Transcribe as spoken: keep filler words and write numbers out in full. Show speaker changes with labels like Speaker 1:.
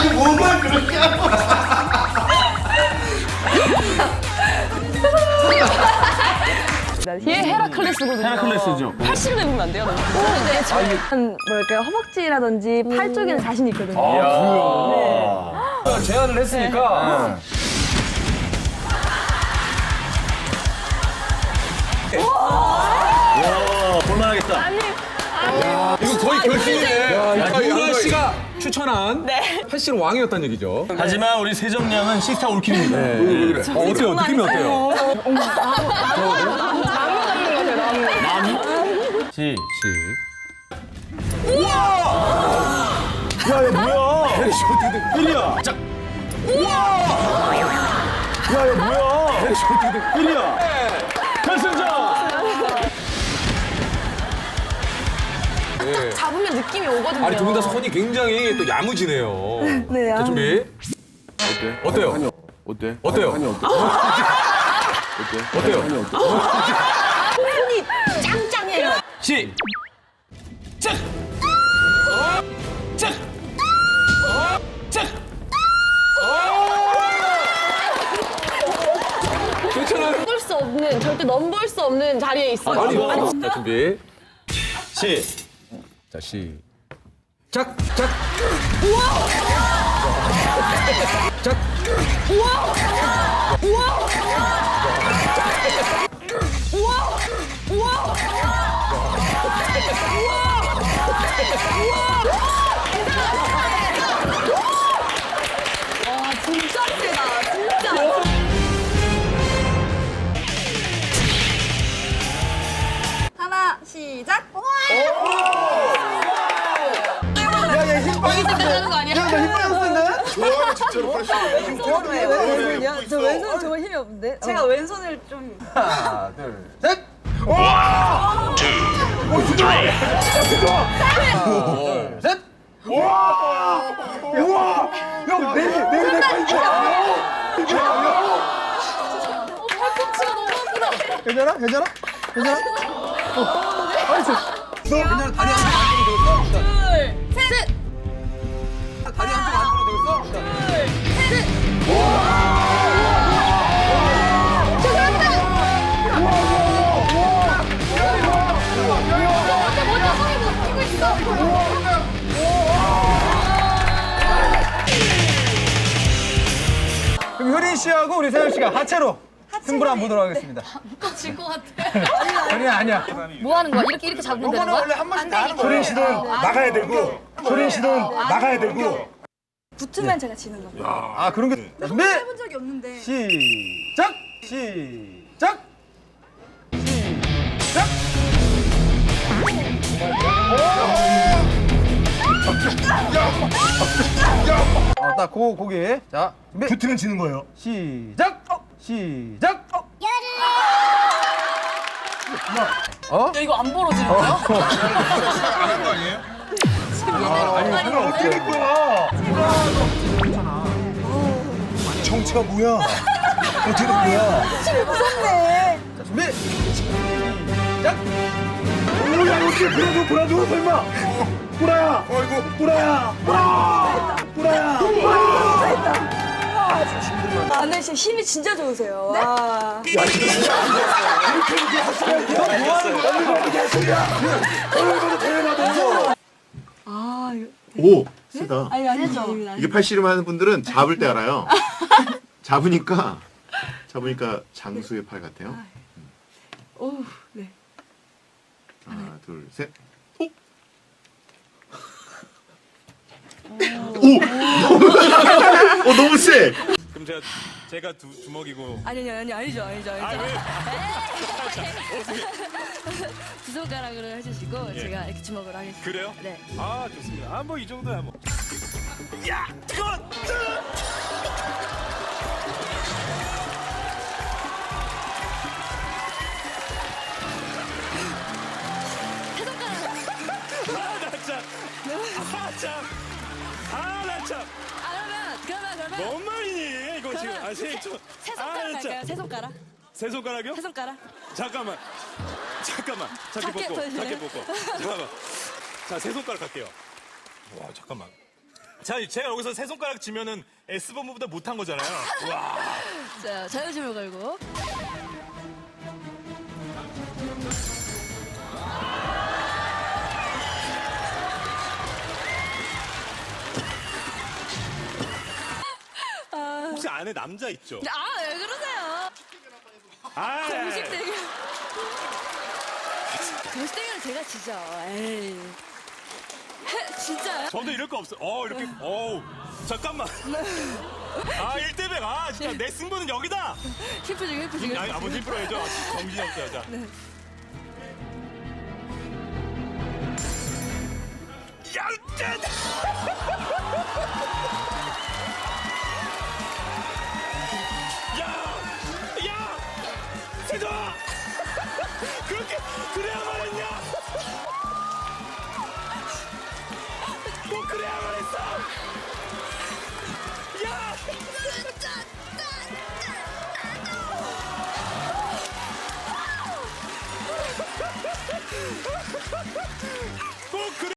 Speaker 1: 아니 뭐만 그렇게 하고.
Speaker 2: 얘 헤라클레스거든요.
Speaker 3: 헤라클레스죠.
Speaker 2: 팔십을 입으면 안 돼요? 너무. 네, 저한 뭐랄까요 허벅지라든지 팔 쪽에는 자신 있거든요.
Speaker 3: 아, 제안을 했으니까.
Speaker 1: 와 볼만하겠다.
Speaker 2: 아니,
Speaker 3: 이거 거의 결승이네.
Speaker 4: 야,
Speaker 3: 유라 씨가 추천한 팔씨름 왕이었다는 얘기죠.
Speaker 1: 하지만 우리 세정량은 식스타 올킬입니다.
Speaker 3: 어, 어때요? 느낌이 어때요?
Speaker 1: 시.
Speaker 3: 시.
Speaker 1: 야야 뭐야? 삐리야. 자. 야야 뭐야? 삐리야. 결승전.
Speaker 2: 잡으면 느낌이 오거든요.
Speaker 3: 아니 두 분 다 손이 굉장히 또 야무지네요.
Speaker 2: 네,
Speaker 3: 자,
Speaker 2: 아.
Speaker 3: 준비.
Speaker 4: 어때?
Speaker 3: 어때요?
Speaker 4: 한이 어때?
Speaker 3: 어때요?
Speaker 4: 한이 어때? 어때?
Speaker 3: 어때요?
Speaker 4: 한이 어때?
Speaker 2: 손이 짱짱해요.
Speaker 1: 시. 짝. 짝. 짝.
Speaker 3: 괜찮아요?
Speaker 2: 넘볼 수 없는 절대 넘볼 수 없는 자리에 있어요.
Speaker 3: 아니, 자, 준비.
Speaker 1: 시.
Speaker 3: 자, 시. 작, 작. 작.
Speaker 2: 와 진짜 세다. 진짜. 하나 시작.
Speaker 1: 야야 힘 빠졌어.
Speaker 2: 하는 거 아니야?
Speaker 1: 야나힘 빠졌는데?
Speaker 4: 좋아요 진짜로 팔씨름.
Speaker 2: 왼손이요? 저 왼손 정말 힘이 없는데. 제가 왼손을 좀.
Speaker 1: 하나 둘 셋. 둘 셋. 우와. 야내내내
Speaker 2: 팔꿈치가 너무 아프다.
Speaker 1: 괜찮아? 괜찮아? 괜찮아?
Speaker 3: 괜찮아, 다리 한쪽 안쪽으로 되겠어?
Speaker 2: 둘, 셋.
Speaker 3: 다리 한쪽 안쪽으로 되겠어?
Speaker 1: 그럼 효린 씨하고 우리 세현 씨가 하체로 승부를 한번 보도록 하겠습니다.
Speaker 2: 질것 같아.
Speaker 1: 효린 아니야.
Speaker 2: 뭐 하는 거야? 이렇게 이렇게 잡으면 되는 거야?
Speaker 1: 한 번씩 다 하는 거야. 효린 씨는 나가야 되고, 효린 씨는 나가야 되고.
Speaker 5: 붙으면 제가 지는 거예요.
Speaker 1: 아 그런 게 준비.
Speaker 5: 해본 적이 없는데.
Speaker 1: 시작. 시작. 시작. 어, 딱 고, 고기. 자, 준비. 붙으면 지는 거예요. 시작. 시작. 어?
Speaker 2: 야, 이거 안 벌어지는 거야?
Speaker 1: 아니, 이걸 어떻게 될 거야? 정체가 뭐야? 어떻게 된 거야?
Speaker 5: 무섭네.
Speaker 1: 자, 준비. 시작. 오야, 어떻게 불어줘, 불어줘, 설마. 뿌라야. 어이구. 뿌라야. 뿌라. 뿌라야.
Speaker 5: 아, 근데 진짜 힘이 진짜 좋으세요. 와. 아, 이거.
Speaker 6: 오, 세다.
Speaker 5: 아니, 아니죠.
Speaker 6: 이게 팔씨름 하는 분들은 잡을 때 알아요. 잡으니까, 잡으니까 장수의 팔 같아요.
Speaker 5: 오, 네.
Speaker 6: 하나, 둘, 셋. 오! 오! 어, 너무 세!
Speaker 7: 그럼 제가 제가 두 주먹이고.
Speaker 5: 아니, 아니, 아니, 아니죠, 아니죠, 아니죠.
Speaker 7: 아 왜?
Speaker 5: 두 손가락으로 해주시고, 제가 이렇게 주먹으로 하겠습니다.
Speaker 7: 그래요?
Speaker 5: 네.
Speaker 7: 아 좋습니다. 아 뭐 이 정도야 뭐. 야 뜨거. 아나 참. 아 참. 아나 참.
Speaker 5: 아, 그러면, 그러면, 그러면.
Speaker 7: 뭔 말이니 이거 지금. 아 세. 저-
Speaker 5: 세
Speaker 7: 아,
Speaker 5: 손가락
Speaker 7: 진짜.
Speaker 5: 할까요? 세 손가락?
Speaker 7: 세 손가락이요?
Speaker 5: 세 손가락?
Speaker 7: 잠깐만. 잠깐만. 작게
Speaker 5: 작게
Speaker 7: 벗고.
Speaker 5: 보여주세요.
Speaker 7: 작게 벗고. 잠깐만. 자 세 손가락 할게요. 와 잠깐만. 자, 제가 여기서 세 손가락 치면은 S본부보다 못한 거잖아요. 와.
Speaker 5: 자, 자유심을 걸고.
Speaker 7: 혹시 안에 남자 있죠?
Speaker 5: 아, 왜 그러세요?
Speaker 7: 아,
Speaker 5: 정식 대결. 정식 대결은 제가 지죠. 에이. 해, 진짜요?
Speaker 7: 저도 이럴 거 없어. 어, 이렇게. 어우. 잠깐만. 아, 일 대 백. 아, 진짜 내 승부는 여기다.
Speaker 5: 힘 중, 힘 중.
Speaker 7: 아니, 아버지 힘 풀어야죠. 정신이 없어요, 자. 야, 야! 야! 세조아! 그렇게, 그래야만 했냐? 꼭 그래야만 했어! 야! 꼭 그래!